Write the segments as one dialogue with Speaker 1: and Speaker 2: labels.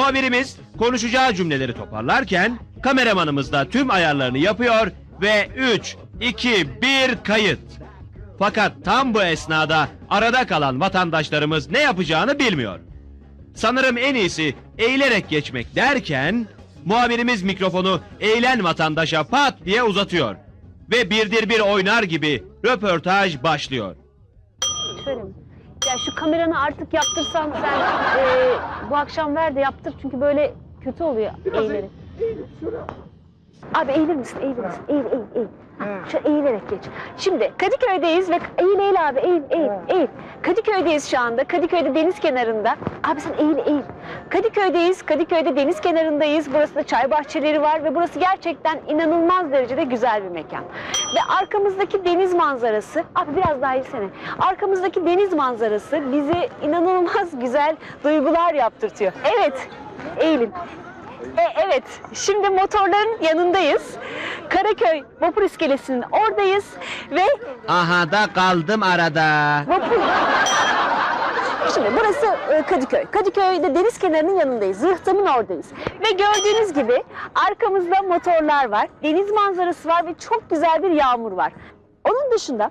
Speaker 1: Muhabirimiz konuşacağı cümleleri toparlarken kameramanımız da tüm ayarlarını yapıyor ve 3, 2, 1 kayıt. Fakat tam bu esnada arada kalan vatandaşlarımız ne yapacağını bilmiyor. Sanırım en iyisi eğilerek geçmek derken muhabirimiz mikrofonu eğilen vatandaşa pat diye uzatıyor. Ve birdir bir oynar gibi röportaj başlıyor.
Speaker 2: Şöyle mi? Ya şu kameranı artık yaptırsan sen bu akşam ver de yaptır çünkü böyle kötü oluyor eğilerek. Abi eğilir misin? Eğilir misin? Eğil. Şu eğilerek geç. Şimdi Kadıköy'deyiz ve eğil abi eğil. Kadıköy'deyiz şu anda. Kadıköy'de deniz kenarında. Abi sen eğil. Kadıköy'deyiz. Kadıköy'de deniz kenarındayız. Burası da çay bahçeleri var ve burası gerçekten inanılmaz derecede güzel bir mekan. Ve arkamızdaki deniz manzarası, abi biraz daha eğilsene. Arkamızdaki deniz manzarası bizi inanılmaz güzel duygular yaptırtıyor. Evet, eğilin. Evet, şimdi motorların yanındayız. Karaköy vapur iskelesinin oradayız ve
Speaker 1: Aha da kaldım arada.
Speaker 2: vapur... Şimdi burası Kadıköy. Kadıköy'de deniz kenarının yanındayız. Zırhtam'ın oradayız. Ve gördüğünüz gibi arkamızda motorlar var. Deniz manzarası var ve çok güzel bir yağmur var. Onun dışında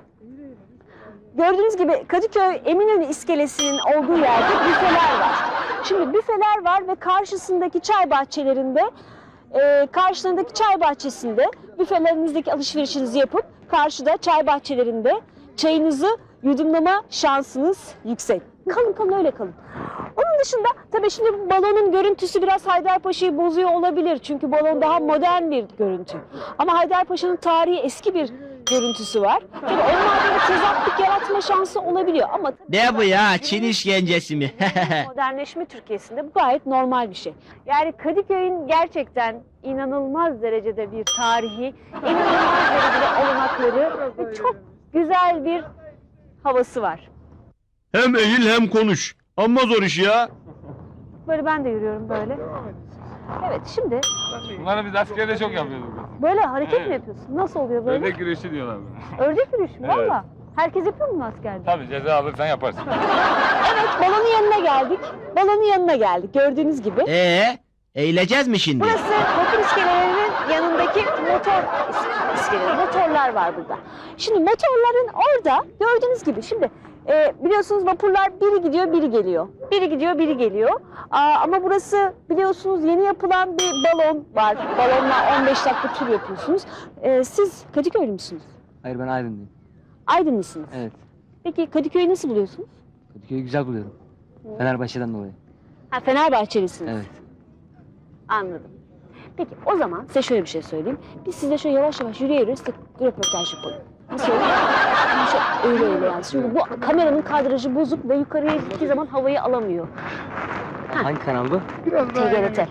Speaker 2: gördüğünüz gibi Kadıköy Eminönü iskelesinin olduğu yerde büfeler var. Şimdi büfeler var ve karşısındaki çay bahçelerinde, karşılarındaki çay bahçesinde büfelerinizdeki alışverişinizi yapıp karşıda çay bahçelerinde çayınızı yudumlama şansınız yüksek. Kalın öyle kalın. Onun dışında tabii şimdi bu balonun görüntüsü biraz Haydarpaşa'yı bozuyor olabilir. Çünkü balon daha modern bir görüntü. Ama Haydarpaşa'nın tarihi eski bir görüntüsü var. Tabii onlarda bir tezatlık yaratma şansı olabiliyor. Ama
Speaker 1: Ne bu ya? Çin işkencesi mi?
Speaker 2: modernleşme Türkiye'sinde bu gayet normal bir şey. Yani Kadıköy'ün gerçekten inanılmaz derecede bir tarihi, inanılmaz derecede olanakları ve çok güzel bir havası var.
Speaker 1: Hem eğil hem konuş. Amma zor iş ya.
Speaker 2: Böyle ben de yürüyorum böyle. Evet şimdi
Speaker 3: Bunları biz askerde çok yapıyorduk.
Speaker 2: böyle hareket mi
Speaker 3: Evet.
Speaker 2: yapıyorsun? Nasıl oluyor böyle?
Speaker 3: Ördek güreşi diyorlar buna.
Speaker 2: Ördek yürüyüşü mü?
Speaker 3: Evet.
Speaker 2: Valla. Herkes yapıyor mu askerde?
Speaker 3: Tabii ceza alırsan yaparsın.
Speaker 2: Evet, balonun yanına geldik. Balonun yanına geldik gördüğünüz gibi.
Speaker 1: Eğileceğiz mi şimdi?
Speaker 2: Burası vapur iskelelerinin yanındaki motor iskeleleri. Motorlar var burada. Şimdi motorların orada gördüğünüz gibi şimdi biliyorsunuz vapurlar biri gidiyor biri geliyor. Biri gidiyor biri geliyor. Ama burası biliyorsunuz yeni yapılan bir balon var. Balonla 15 dakika tur yapıyorsunuz. Siz Kadıköylü müsünüz?
Speaker 4: Hayır, ben Aydınlıyım.
Speaker 2: Aydınlısınız.
Speaker 4: Evet.
Speaker 2: Peki Kadıköy'ü nasıl buluyorsunuz?
Speaker 4: Kadıköy'ü güzel buluyorum. Fenerbahçe'den dolayı.
Speaker 2: Ha, Fenerbahçelisiniz.
Speaker 4: Evet.
Speaker 2: Anladım. Peki o zaman size şöyle bir şey söyleyeyim. Biz size şöyle yavaş yavaş yürüyerek size röportaj yapalım. Nasıl olur? Yani öyle yani. Şimdi bu kameranın kadrajı bozuk ve yukarıya gittiği zaman havayı alamıyor.
Speaker 4: Hangi kanal bu?
Speaker 2: TGRT.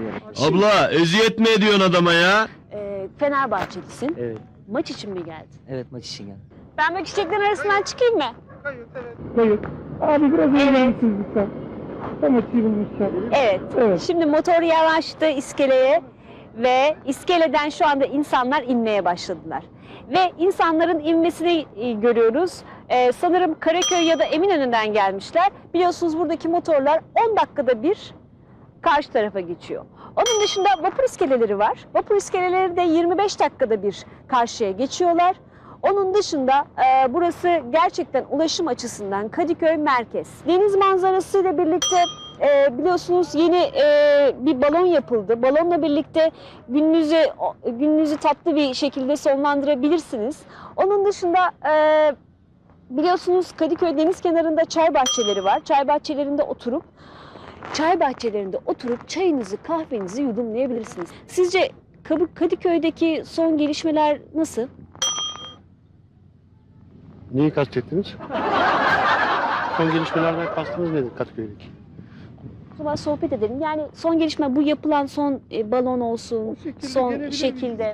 Speaker 1: Abla eziyet mi ediyorsun adama ya?
Speaker 2: Fenerbahçelisin.
Speaker 4: Evet.
Speaker 2: Maç için mi geldin?
Speaker 4: Evet, maç için geldim.
Speaker 2: Ben böyle çiçeklerin arasından çıkayım mı?
Speaker 5: Hayır. Abi biraz
Speaker 2: Evet.
Speaker 5: eğilir misiniz lütfen? Tam açayım lütfen.
Speaker 2: Evet.
Speaker 5: Evet.
Speaker 2: Şimdi motor yavaştı iskeleye ve iskeleden şu anda insanlar inmeye başladılar. Ve insanların inmesini görüyoruz. Sanırım Karaköy ya da Eminönü'nden gelmişler. Biliyorsunuz buradaki motorlar 10 dakikada bir karşı tarafa geçiyor. Onun dışında vapur iskeleleri var. Vapur iskeleleri de 25 dakikada bir karşıya geçiyorlar. Onun dışında burası gerçekten ulaşım açısından Kadıköy merkez. Deniz manzarasıyla birlikte biliyorsunuz yeni bir balon yapıldı. Balonla birlikte gününüzü tatlı bir şekilde sonlandırabilirsiniz. Onun dışında biliyorsunuz Kadıköy deniz kenarında çay bahçeleri var. Çay bahçelerinde oturup çayınızı, kahvenizi yudumlayabilirsiniz. Sizce Kadıköy'deki son gelişmeler nasıl?
Speaker 5: Neyi kastettiniz? Son gelişmelerden kastınız nedir Kadıköy'deki?
Speaker 2: O zaman sohbet edelim. Yani son gelişme bu yapılan son balon olsun, son şekilde.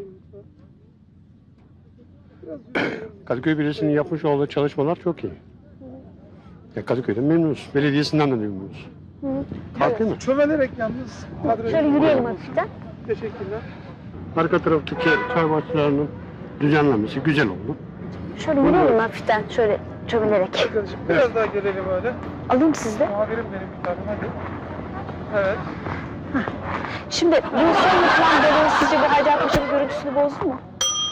Speaker 5: Kadıköy Belediyesi'nin yapmış olduğu çalışmalar çok iyi. Ya Kadıköy'den memnunuz. Belediyesinden de memnunuz. Farklı mı?
Speaker 6: Çömelerek yalnız kadrajı.
Speaker 2: Şöyle yürüyelim hafiften.
Speaker 6: Teşekkürler.
Speaker 5: Arka taraftaki çay bahçelerinin düzenlenmesi güzel oldu.
Speaker 2: Şöyle yürüyelim hafiften, şöyle çömelerek.
Speaker 6: Arkadaşım biraz daha gelelim öyle.
Speaker 2: Alayım siz de.
Speaker 6: Muhabirim benim bir tane hadi. Evet.
Speaker 2: Şimdi bu son yapılan balon sizce bu Haydarpaşa'nın görüntüsünü bozdu mu?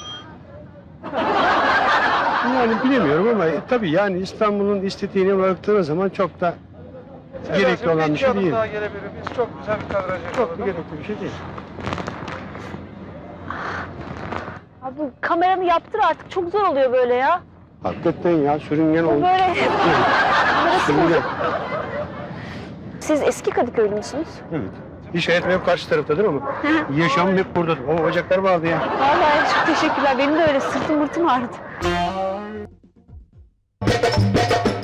Speaker 5: Yani bilemiyorum ama tabii yani İstanbul'un estetiğine baktığınız zaman çok da gerekli olan bir şey değil.
Speaker 6: Daha gelebilir. Biz çok güzel bir kadraj
Speaker 5: Çok
Speaker 6: yakaladık.
Speaker 5: da gerekli bir şey değil.
Speaker 2: Abi bu kameranı yaptır artık. Çok zor oluyor böyle ya.
Speaker 5: Hakikaten ya sürüngen
Speaker 2: Bu
Speaker 5: oldu.
Speaker 2: böyle kamerası
Speaker 5: Sürüngen.
Speaker 2: bozuk. Siz eski Kadıköylü müsünüz?
Speaker 5: Evet. İş hayatım hep karşı taraftadır ama yaşamım hep buradadır. O bacaklar vardı ya.
Speaker 2: Vallahi çok teşekkürler. Benim de öyle sırtım mırtım ağrıdı.